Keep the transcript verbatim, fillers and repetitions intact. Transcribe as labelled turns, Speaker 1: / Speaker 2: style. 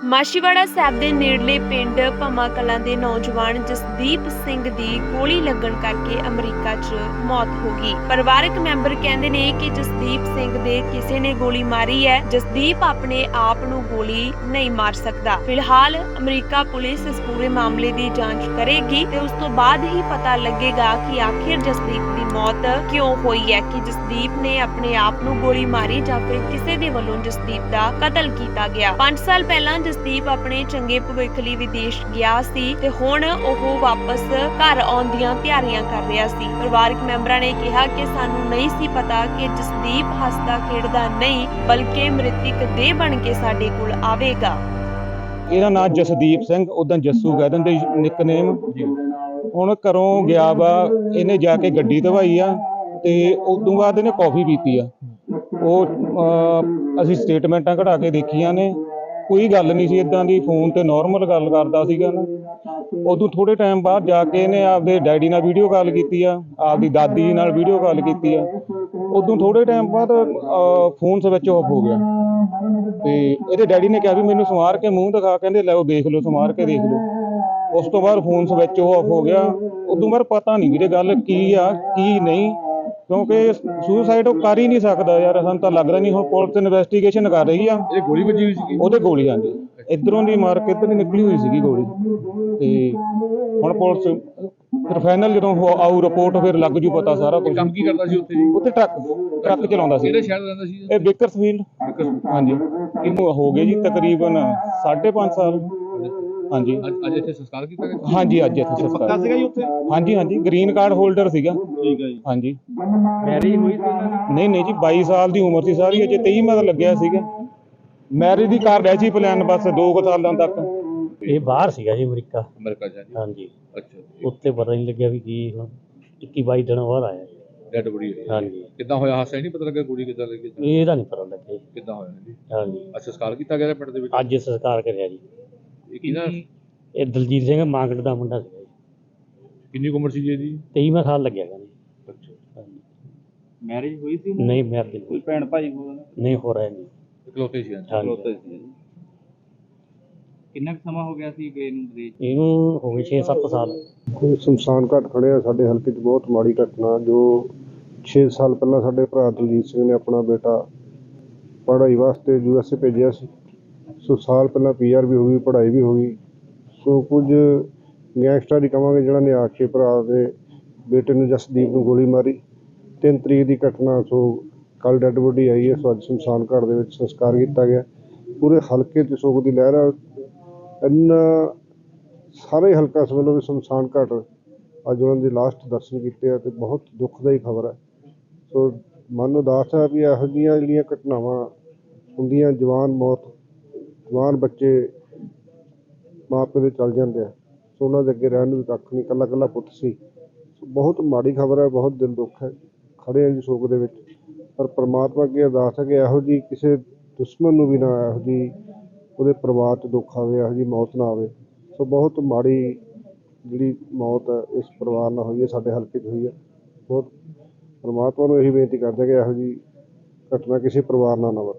Speaker 1: ਮਾਛੀਵਾੜਾ ਸਾਹਿਬ ਦੇ ਨੇੜਲੇ ਪਿੰਡ ਭੰਮਾ ਕਲਾਂ ਦੇ ਨੌਜਵਾਨ ਜਸਦੀਪ ਸਿੰਘ ਦੀ ਗੋਲੀ ਲੱਗਣ ਕਰਕੇ ਅਮਰੀਕਾ 'ਚ ਮੌਤ ਹੋ ਗਈ। ਪਰਿਵਾਰਕ ਮੈਂਬਰ ਕਹਿੰਦੇ ਨੇ ਕਿ ਜਸਦੀਪ ਸਿੰਘ ਦੇ ਕਿਸੇ ਨੇ ਗੋਲੀ ਮਾਰੀ ਹੈ। ਜਸਦੀਪ ਆਪਣੇ ਆਪ ਨੂੰ ਗੋਲੀ ਨਹੀਂ ਮਾਰ ਸਕਦਾ। ਫਿਲਹਾਲ ਅਮਰੀਕਾ ਪੁਲਿਸ ਇਸ ਪੂਰੇ ਮਾਮਲੇ ਦੀ ਜਾਂਚ ਕਰੇਗੀ ਤੇ ਉਸ ਤੋਂ ਬਾਅਦ ਹੀ ਪਤਾ ਲੱਗੇਗਾ ਕਿ ਆਖਿਰ ਜਸਦੀਪ ਦੀ ਮੌਤ ਕਿਉਂ ਹੋਈ ਹੈ, ਕਿ ਜਸਦੀਪ ਨੇ ਆਪਣੇ ਆਪ ਨੂੰ ਗੋਲੀ ਮਾਰੀ ਜਾਂ ਫਿਰ ਕਿਸੇ ਦੇ ਵੱਲੋਂ ਜਸਦੀਪ ਦਾ ਕਤਲ ਕੀਤਾ ਗਿਆ। ਪੰਜ ਸਾਲ ਪਹਿਲਾਂ ਜਸਦੀਪ ਆਪਣੇ ਚੰਗੇ ਭਵਿੱਖ ਲਈ ਵਿਦੇਸ਼ ਗਿਆ ਸੀ ਤੇ ਹੁਣ ਉਹ ਵਾਪਸ ਘਰ ਆਉਣ ਦੀਆਂ ਤਿਆਰੀਆਂ ਕਰ ਰਿਹਾ ਸੀ। ਪਰਿਵਾਰਕ ਮੈਂਬਰਾਂ ਨੇ ਕਿਹਾ ਕਿ ਸਾਨੂੰ ਨਹੀਂ ਸੀ ਪਤਾ ਕਿ ਜਸਦੀਪ ਹੱਸਦਾ ਖੇਡਦਾ ਨਹੀਂ ਬਲਕਿ ਮ੍ਰਿਤਕ ਦੇਹ ਬਣ ਕੇ ਸਾਡੇ ਕੋਲ ਆਵੇਗਾ।
Speaker 2: ਇਹਦਾ ਨਾਮ ਜਸਦੀਪ ਸਿੰਘ, ਉਦਾਂ ਜੱਸੂ ਕਹਿ ਦਿੰਦੇ ਨਿਕਨੇਮ। ਹੁਣ ਘਰੋਂ ਗਿਆ ਵਾ, ਇਹਨੇ ਜਾ ਕੇ ਗੱਡੀ ਧਵਾਈ ਆ ਤੇ ਉਦੋਂ ਬਾਅਦ ਇਹਨੇ ਕੌਫੀ ਪੀਤੀ ਆ। ਉਹ ਅਸੀਂ ਸਟੇਟਮੈਂਟਾਂ ਕਢਾ ਕੇ ਦੇਖੀਆਂ ਨੇ, ਕੋਈ ਗੱਲ ਨਹੀਂ ਸੀ ਇਦਾਂ ਦੀ, ਫੋਨ ਤੇ ਨਾਰਮਲ ਗੱਲ ਕਰਦਾ ਸੀਗਾ ਨਾ। ਉਦੋਂ ਥੋੜੇ ਟਾਈਮ ਬਾਅਦ ਜਾ ਕੇ ਇਹਨੇ ਆਪਦੇ ਡੈਡੀ ਨਾਲ ਵੀਡੀਓ ਕਾਲ ਕੀਤੀ ਆ, ਆਪਦੀ ਦਾਦੀ ਨਾਲ ਵੀਡੀਓ ਕਾਲ ਕੀਤੀ ਆ। ਉਦੋਂ ਥੋੜੇ ਟਾਈਮ ਬਾਅਦ ਫੋਨ ਸਵਿਚ ਆਫ ਹੋ ਗਿਆ ਤੇ ਇਹਦੇ ਡੈਡੀ ਨੇ ਕਿਹਾ ਵੀ ਮੈਨੂੰ ਸਮਾਰ ਕੇ ਮੂੰਹ ਦਿਖਾ, ਕਹਿੰਦੇ ਲੈ ਉਹ ਦੇਖ ਲਓ, ਸਮਾਰ ਕੇ ਦੇਖ ਲਓ। ਉਸ ਤੋਂ ਬਾਅਦ ਫੋਨ ਸਵਿਚ ਆਫ ਹੋ ਗਿਆ। ਉਦੋਂ ਬਾਅਦ ਪਤਾ ਨਹੀਂ ਵੀਰੇ ਗੱਲ ਕੀ ਆ ਕੀ ਨਹੀਂ, ਕਿਉਂਕਿ ਸੁਸਾਈਡ ਉਹ ਕਰ ਹੀ ਨਹੀਂ ਸਕਦਾ ਯਾਰ, ਸਾਨੂੰ ਤਾਂ ਲੱਗਦਾ ਨਹੀਂ। ਹੁਣ ਪੁਲਿਸ ਇਨਵੈਸਟੀਗੇਸ਼ਨ ਕਰ ਰਹੀ ਆ।
Speaker 3: ਇਹ ਗੋਲੀ ਵੱਜੀ ਹੋਈ ਸੀ?
Speaker 2: ਉਹਦੇ ਗੋਲੀ ਆਂਦੀ ਇੱਧਰੋਂ ਦੀ ਮਾਰ ਕੇ ਇੱਧਰ ਦੀ ਨਿਕਲੀ ਹੋਈ ਸੀਗੀ ਗੋਲੀ। ਤੇ ਹੁਣ ਪੁਲਿਸ ਫਿਰ ਫਾਈਨਲ ਜਦੋਂ ਆਊ ਰਿਪੋਰਟ ਫਿਰ ਲੱਗ ਜੂ ਪਤਾ ਸਾਰਾ ਕੁਝ।
Speaker 3: ਕੰਮ ਕੀ ਕਰਦਾ ਸੀ ਉੱਥੇ ਜੀ?
Speaker 2: ਉੱਥੇ ਟਰੱਕ ਟਰੱਕ ਚਲਾਉਂਦਾ ਸੀ।
Speaker 3: ਕਿਹੜੇ ਸ਼ਹਿਰ ਰਹਿੰਦਾ ਸੀ?
Speaker 2: ਇਹ ਬੇਕਰਸਫੀਲਡ। ਹਾਂਜੀ, ਇਹਨੂੰ ਹੋ ਗਏ ਜੀ ਤਕਰੀਬਨ ਸਾਢੇ ਪੰਜ ਸਾਲ। ਹਾਂਜੀ,
Speaker 3: ਅੱਜ ਇੱਥੇ ਸੰਸਕਾਰ ਕੀਤਾ ਗਿਆ?
Speaker 2: ਹਾਂਜੀ, ਅੱਜ ਇੱਥੇ ਸੰਸਕਾਰ
Speaker 3: ਸੀਗਾ ਜੀ ਉੱਥੇ?
Speaker 2: ਹਾਂਜੀ ਹਾਂਜੀ, ਗ੍ਰੀਨ ਕਾਰਡ ਹੋਲਡਰ ਸੀਗਾ।
Speaker 3: ਠੀਕ ਹੈ ਜੀ।
Speaker 2: ਹਾਂਜੀ,
Speaker 3: ਮੈਰਿਜ ਹੋਈ ਸੀ ਉਹਨਾਂ ਦੀ?
Speaker 2: ਨਹੀਂ ਨਹੀਂ ਜੀ, ਬਾਈ ਸਾਲ ਦੀ ਉਮਰ ਸੀ ਸਾਰੀ, ਅਜੇ ਤੇਈ ਮਤ ਲੱਗਿਆ ਸੀਗਾ। ਮੈਰਿਜ ਦੀ ਕਰ ਰਿਹਾ ਸੀ ਪਲਾਨ, ਬਸ ਦੋ ਕੁ ਸਾਲਾਂ ਤੱਕ।
Speaker 4: ਇਹ ਬਾਹਰ ਸੀਗਾ ਜੀ, ਅਮਰੀਕਾ।
Speaker 3: ਅਮਰੀਕਾ ਜਾ ਜੀ?
Speaker 4: ਹਾਂਜੀ।
Speaker 3: ਅੱਛਾ,
Speaker 4: ਉੱਥੇ ਪਤਾ ਨਹੀਂ ਲੱਗਿਆ ਵੀ ਕੀ ਹੁਣ ਇੱਕੀ ਬਾਈ ਦਿਨ ਬਾਅਦ ਆਇਆ ਜੀ।
Speaker 3: ਡੈਡ ਬੋਡੀ ਹੋਈ?
Speaker 4: ਹਾਂਜੀ।
Speaker 3: ਕਿੱਦਾਂ ਹੋਇਆ ਹਾਦਸਾ? ਨਹੀਂ ਪਤਾ ਲੱਗਾ ਗੋਲੀ ਕਿੱਦਾਂ ਲੱਗੀ?
Speaker 4: ਇਹਦਾ ਨਹੀਂ ਪਤਾ ਲੱਗਿਆ ਜੀ।
Speaker 3: ਕਿੱਦਾਂ ਹੋਇਆ ਜੀ?
Speaker 4: ਹਾਂਜੀ।
Speaker 3: ਅੱਛਾ, ਸੰਸਕਾਰ ਕੀਤਾ ਗਿਆ ਪਿੰਡ ਦੇ ਵਿੱਚ?
Speaker 4: ਅੱਜ ਸੰਸਕਾਰ ਕਰਿਆ ਜੀ।
Speaker 3: ਇਹ ਕਿਹਦਾ?
Speaker 4: ਇਹ ਦਲਜੀਤ ਸਿੰਘ ਮਾਂਗੜ ਦਾ ਮੁੰਡਾ ਸੀਗਾ ਜੀ।
Speaker 3: ਕਿੰਨੀ ਕੁ ਉਮਰ ਸੀ ਜੀ ਇਹਦੀ?
Speaker 4: ਤੇਈਵਾਂ ਸਾਲ ਲੱਗਿਆ ਗਾ ਜੀ।
Speaker 3: ਅੱਛਾ।
Speaker 4: ਹਾਂਜੀ।
Speaker 3: ਮੈਰਿਜ ਹੋਈ ਸੀ?
Speaker 4: ਨਹੀਂ ਮੈਰਿਜ
Speaker 3: ਕੋਈ ਭੈਣ ਭਾਈ ਹੋਰ
Speaker 4: ਨਹੀਂ ਹੋ ਰਿਹਾ ਜੀ।
Speaker 3: ਇਕਲੌਤੇ ਸੀ?
Speaker 4: ਹਾਂਜੀ।
Speaker 3: ਸੀ। ਕਿੰਨਾ ਕੁ ਸਮਾਂ ਹੋ ਗਿਆ ਸੀ ਗਏ ਨੂੰ ਵਿਦੇਸ਼?
Speaker 4: ਇਹਨੂੰ ਹੋ ਗਏ ਛੇ ਸੱਤ ਸਾਲ।
Speaker 5: ਕੋਈ ਸ਼ਮਸ਼ਾਨ ਘਾਟ ਖੜ੍ਹੇ ਆ ਸਾਡੇ ਹਲਕੇ 'ਚ, ਬਹੁਤ ਮਾੜੀ ਘਟਨਾ। ਜੋ ਛੇ ਸਾਲ ਪਹਿਲਾਂ ਸਾਡੇ ਭਰਾ ਦਲਜੀਤ ਸਿੰਘ ਨੇ ਆਪਣਾ ਬੇਟਾ ਪੜ੍ਹਾਈ ਵਾਸਤੇ ਯੂ ਐਸ ਏ ਭੇਜਿਆ ਸੀ। ਸੋ ਸਾਲ ਪਹਿਲਾਂ ਪੀ ਆਰ ਵੀ ਹੋ ਗਈ, ਪੜ੍ਹਾਈ ਵੀ ਹੋ ਗਈ। ਸੋ ਕੁਝ ਗੈਂਗਸਟਰ ਹੀ ਕਹਾਂਗੇ ਜਿਹੜਾ ਨੇ ਆ ਕੇ ਭਰਾ ਦੇ ਬੇਟੇ ਨੂੰ ਜਸਦੀਪ ਨੂੰ ਗੋਲੀ ਮਾਰੀ। ਤਿੰਨ ਤਰੀਕ ਦੀ ਘਟਨਾ। ਸੋ ਕੱਲ੍ਹ ਡੈੱਡ ਬੋਡੀ ਆਈ ਹੈ। ਸੋ ਅੱਜ ਸ਼ਮਸ਼ਾਨ ਘਾਟ ਦੇ ਵਿੱਚ ਸੰਸਕਾਰ ਕੀਤਾ ਗਿਆ। ਪੂਰੇ ਹਲਕੇ 'ਚ ਸੋਗ ਦੀ ਲਹਿਰ ਆ। ਇੰਨਾ ਸਾਰੇ ਹਲਕਾ ਇਸ ਵੱਲੋਂ ਵੀ ਸ਼ਮਸ਼ਾਨ ਘਾਟ ਅੱਜ ਉਹਨਾਂ ਦੇ ਲਾਸਟ ਦਰਸ਼ਨ ਕੀਤੇ ਆ ਅਤੇ ਬਹੁਤ ਦੁੱਖਦਾਈ ਖਬਰ ਹੈ। ਸੋ ਮਨ ਉਦਾਸ ਹੈ ਵੀ ਇਹੋ ਜਿਹੀਆਂ ਜਿਹੜੀਆਂ ਘਟਨਾਵਾਂ ਹੁੰਦੀਆਂ, ਜਵਾਨ ਮੌਤ, ਜਵਾਨ ਬੱਚੇ ਮਾਂ ਪਿਓ ਦੇ ਚਲ ਜਾਂਦੇ ਆ। ਸੋ ਉਹਨਾਂ ਦੇ ਅੱਗੇ ਰਹਿਣ ਨੂੰ ਵੀ ਕੱਖ ਨਹੀਂ, ਇਕੱਲਾ ਇਕੱਲਾ ਪੁੱਤ ਸੀ। ਸੋ ਬਹੁਤ ਮਾੜੀ ਖਬਰ ਹੈ, ਬਹੁਤ ਦਿਲ ਦੁੱਖ ਹੈ। ਖੜ੍ਹੇ ਹਾਂ ਜੀ ਸੋਗ ਦੇ ਵਿੱਚ, ਪਰ ਪਰਮਾਤਮਾ ਅੱਗੇ ਅਰਦਾਸ ਹੈ ਕਿ ਇਹੋ ਜਿਹੀ ਕਿਸੇ ਦੁਸ਼ਮਣ ਨੂੰ ਵੀ ਨਾ ਇਹੋ ਜਿਹੀ ਉਹਦੇ ਪਰਿਵਾਰ 'ਚ ਦੁੱਖ ਆਵੇ, ਇਹੋ ਜਿਹੀ ਮੌਤ ਨਾ ਆਵੇ। ਸੋ ਬਹੁਤ ਮਾੜੀ ਜਿਹੜੀ ਮੌਤ ਹੈ ਇਸ ਪਰਿਵਾਰ ਨਾਲ ਹੋਈ ਹੈ, ਸਾਡੇ ਹਲਕੇ 'ਚ ਹੋਈ ਹੈ। ਬਹੁਤ ਪਰਮਾਤਮਾ ਨੂੰ ਇਹੀ ਬੇਨਤੀ ਕਰਦੇ ਕਿ ਇਹੋ ਜਿਹੀ ਘਟਨਾ ਕਿਸੇ ਪਰਿਵਾਰ ਨਾਲ ਨਾ ਵਾਪਰੇ।